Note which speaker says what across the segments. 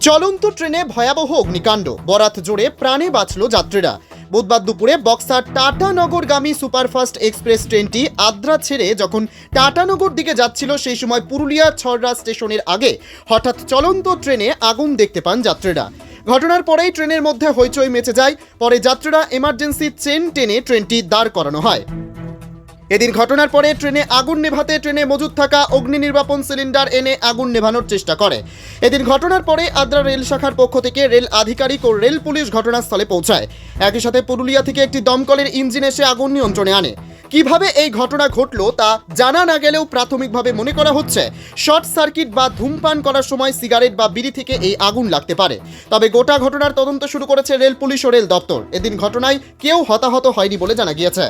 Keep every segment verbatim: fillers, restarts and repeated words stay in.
Speaker 1: চলন্ত ট্রেনে ভয়াবহ অগ্নিকাণ্ড, বরাত জোরে প্রাণে বাঁচল যাত্রীরা। বুধবার দুপুরে বক্সার টাটানগরগামী সুপারফাস্ট এক্সপ্রেস ট্রেনটি আদ্রা ছেড়ে যখন টাটানগর দিকে যাচ্ছিল সেই সময় পুরুলিয়া ছড়রা স্টেশনের আগে হঠাৎ চলন্ত ট্রেনে আগুন দেখতে পান যাত্রীরা। ঘটনার পরেই ট্রেনের মধ্যে হইচই মেচে যায়। পরে যাত্রীরা এমার্জেন্সি চেন টেনে ট্রেনটি দাঁড় করানো হয়। এদিন ঘটনার পরে ট্রেনে আগুন নেভাতে ট্রেনে মজুদ থাকা অগ্নি নির্বাপন সিলিন্ডার এনে আগুন নেভানোর চেষ্টা করে। এদিন ঘটনার পরে আদ্রা রেল শাখার পক্ষ থেকে রেল আধিকারিক ও রেল পুলিশ ঘটনাস্থলে পৌঁছায়। একই সাথে পুরুলিয়া থেকে একটি দমকলের ইঞ্জিন এসে আগুন নিয়ন্ত্রণে আনে। কিভাবে এই ঘটনা ঘটল তা জানা না গেলেও প্রাথমিকভাবে মনে করা হচ্ছে শর্ট সার্কিট বা ধূমপান করার সময় সিগারেট বা বিড়ি থেকে এই আগুন লাগতে পারে। তবে গোটা ঘটনার তদন্ত শুরু করেছে রেল পুলিশ ও রেল দপ্তর। এদিন ঘটনায় কেউ হতাহত হয়নি বলে জানা গিয়েছে।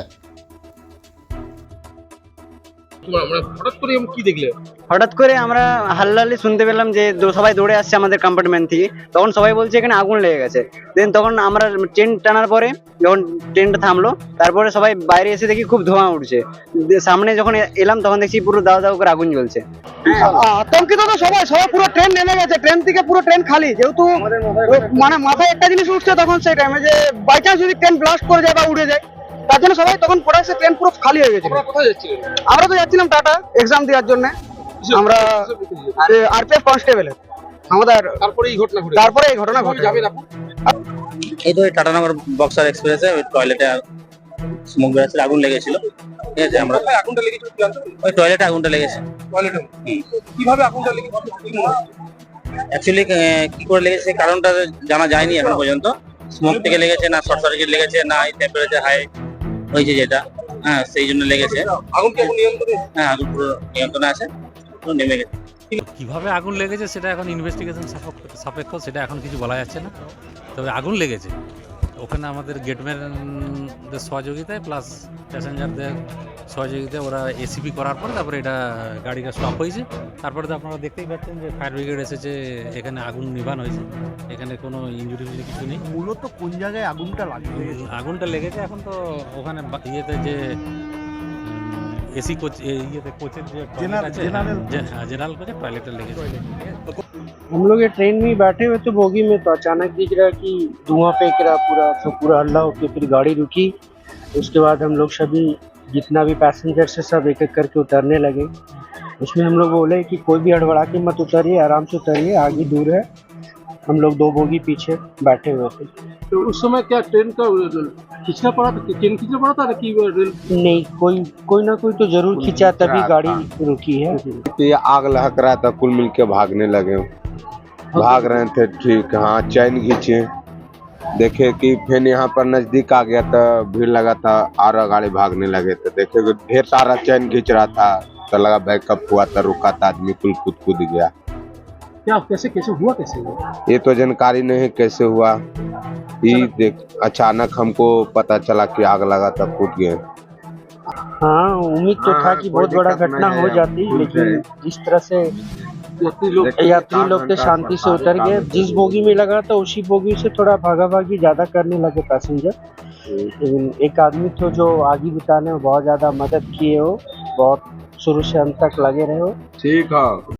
Speaker 2: হঠাৎ করে আমরা হাল্লালি শুনতে পেলাম যে সবাই দৌড়ে আসছে আমাদের কম্পার্টমেন্ট থেকে। তখন সবাই বলছে এখানে আগুন লেগে গেছে। দেন তখন আমরা ট্রেন টানার পরে যখন ট্রেনটা থামলো তারপরে সবাই বাইরে এসে দেখি খুব ধোঁয়া উঠছে। সামনে যখন এলাম তখন দেখছি পুরো দাও দাও করে আগুন জ্বলছে। আতঙ্কিত তো সবাই সবাই পুরো ট্রেন নেমে গেছে। ট্রেন থেকে পুরো ট্রেন খালি, যেহেতু মানে মাথায় একটা জিনিস উঠছে তখন সেই টাইমে যে বাই চান্স যদি ট্রেন ব্লাস্ট করে যায় বা উড়ে যায়, তার জন্য সবাই তখন পড়াচ্ছে ট্রেন পুরো খালি হয়ে গেছে। আমরা তো যাচ্ছিলাম টাটা এক্সাম দেওয়ার জন্য। আমরা আরপিএফ কনস্টেবল আমাদের তারপরে এই ঘটনা ঘটে তারপরে এই ঘটনা ঘটে যাবে।
Speaker 3: এই তো টাটানগর বক্সার এক্সপ্রেসে ওই টয়লেটে স্মোক বেরোচ্ছিল, আগুন লেগেছিল। ঠিক আছে, আমরা আগুনটা লেগেছিল ওই টয়লেটে আগুনটা লেগেছে। টয়লেটে কিভাবে আগুনটা লেগেছে অ্যাকচুয়ালি কি করে লেগেছে কারণটা জানা যায়নি এখন পর্যন্ত। স্মোক থেকে লেগেছে না শর্ট সার্কিট লেগেছে না টেম্পারেচার হাই হয়েছে যেটা, হ্যাঁ সেই জন্য লেগেছে। আগুন কি নিয়ন্ত্রণে? হ্যাঁ আগুন পুরো নিয়ন্ত্রণে আছে, পুরো নেমে গেছে।
Speaker 4: কিভাবে আগুন লেগেছে সেটা এখন ইনভেস্টিগেশন সাপেক্ষ, সেটা এখন কিছু বলা যাচ্ছে না। তবে আগুন লেগেছে ওখানে আমাদের গেটম্যানদের সহযোগিতায় প্লাস প্যাসেঞ্জারদের সহযোগিতায় ওরা এসিপি করার পর তারপরে এটা গাড়িটা স্টপ হয়েছে। তারপরে তো আপনারা দেখতেই পাচ্ছেন যে ফায়ার ব্রিগেড এসেছে, এখানে আগুন নিভান হয়েছে। এখানে কোনো ইঞ্জুরি ফিঞ্জুরি কিছু নেই।
Speaker 5: মূলত কোন জায়গায় আগুনটা লাগবে?
Speaker 4: আগুনটা লেগেছে এখন তো ওখানে ইয়েতে যে এসি কোচ ইয়েতে কোচের যে जनरल कोच टॉयलेट लेके।
Speaker 6: हम लोग ये ट्रेन में बैठे हुए थे बोगी में, तो अचानक दिख रहा कि धुआं फेंक रहा पूरा, तो पूरा हल्ला होके फिर गाड़ी रुकी। उसके बाद हम लोग सभी जितना भी पैसेंजर से सब एक एक करके उतरने लगे। उसमें हम लोग बोले कि कोई भी हड़बड़ा के मत उतरिए, आराम से उतरिए, आगे दूर है। हम लोग दो बोगी पीछे बैठे हुए थे।
Speaker 5: तो उस समय क्या ट्रेन का खींचना पड़ा था? ट्रेन खींचना पड़ा था कि रेल?
Speaker 6: नहीं, कोई कोई ना कोई तो जरूर खींचा तभी गाड़ी रुकी है।
Speaker 7: ये आग लहक रहा था, कुल मिलके भागने लगे, भाग रहे थे। ठीक, हाँ चैन खींचे, देखे कि फिर यहाँ पर नजदीक आ गया तो भीड़ लगा था और गाड़ी भागने लगे। तो देखे ढेर सारा चैन खींच रहा था, तो लगा बैकअप हुआ था, रुका था, आदमी कुल कूद कूद गया।
Speaker 5: क्या कैसे कैसे हुआ कैसे हुआ
Speaker 7: ये तो जानकारी नहीं कैसे हुआ। ये देख अचानक हमको पता चला कि आग लगा था, कूद गए।
Speaker 6: हाँ, उम्मीद तो था कि बहुत बड़ा घटना हो जाती, लेकिन जिस तरह से यात्री लोग थे शांति से उतर गए। जिस बोगी में लगा था उसी बोगी से थोड़ा भागा भागी ज्यादा करने लगे पैसेंजर। लेकिन एक आदमी तो जो आगे बिताने में बहुत ज्यादा मदद किए हो, बहुत शुरू से अंत तक लगे रहे हो।
Speaker 7: ठीक है।